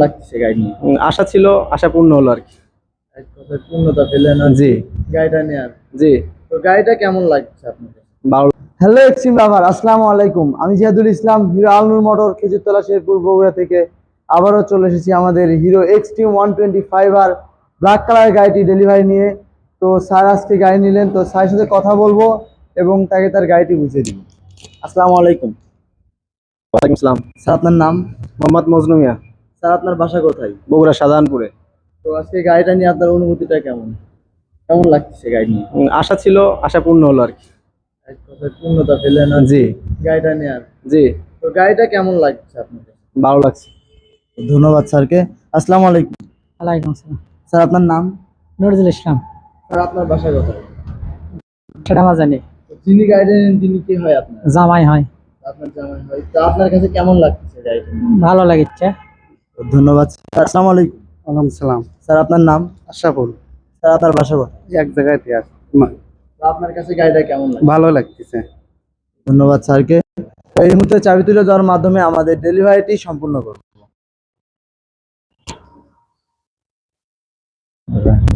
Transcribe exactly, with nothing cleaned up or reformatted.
লাগতেছে গাড়ি নিয়ে? উম, আশা ছিল, আশা পূর্ণ হলো আর কি। এক কথায় পূর্ণতা পেলেন আর জি গাড়িটা নেয়ার। জি তো গাড়িটা কেমন লাগছে আপনার কাছে? ভালো। হ্যালো এক্সট্রিম লাভার, আসসালামু আলাইকুম। আমি জিয়াদুল ইসলাম, হিরো আলনুর মোটর খেজুরতলা শেরপুর বগুড়া থেকে আবারও চলে এসেছি আমাদের Hero Xtreme one twenty five আর ব্ল্যাক কালারের গাড়িটি ডেলিভারি নিয়ে। তো স্যার আজকে গাড়ি নিলেন, তো স্যারের সাথে কথা বলবো এবং তাকে তার গাড়িটি বুঝিয়ে দিব। আসসালামু আলাইকুম ওয়ালাইকুম আসসালাম। স্যার, আপনার নাম? মোহাম্মদ মজনু মিয়া, স্যার আপনার বাসা কোথায়? বগুড়া শাহজাহানপুরে। তো আজকে গাড়িটা নিয়ে আপনার অনুভূতিটা কেমন? কেমন লাগতেছে গাড়ি নিয়ে? উম, আশা ছিল, আশা পূর্ণ হলো আর কি। এক কথায় পূর্ণতা পেলেন আর জি গাড়িটা নেয়ার। জি তো গাড়িটা কেমন লাগছে আপনার কাছে? ভালো লাগছে। ধন্যবাদ স্যারকে। আসসালামু আলাইকুম ওয়ালাইকুম আসসালাম। স্যার, আপনার নাম? নজরুল ইসলাম। স্যার আপনার বাসা কোথায়? সেটা আমার জানি। তো যিনি গাড়িটা নেন তিনি কি হয় আপনার? জামাই হয়। আপনার জামাই হয়। তো আপনার কাছে কেমন লাগতেছে গাড়িটা? ভালো লাগিচ্ছে। ধন্যবাদ স্যার। আসসালামু আলাইকুম ওয়ালাইকুম সালাম। স্যার, আপনার নাম? আশাফুল। স্যার, আপনার বাসা কোথায়? এক জায়গায় আর তো আপনার কাছে গাড়িটা কেমন লাগে? ভালো লাগতেছে। ধন্যবাদ স্যারকে। এই মুহূর্তে চাবি তুলে দেওয়ার মাধ্যমে আমাদের ডেলিভারিটি সম্পূর্ণ করব।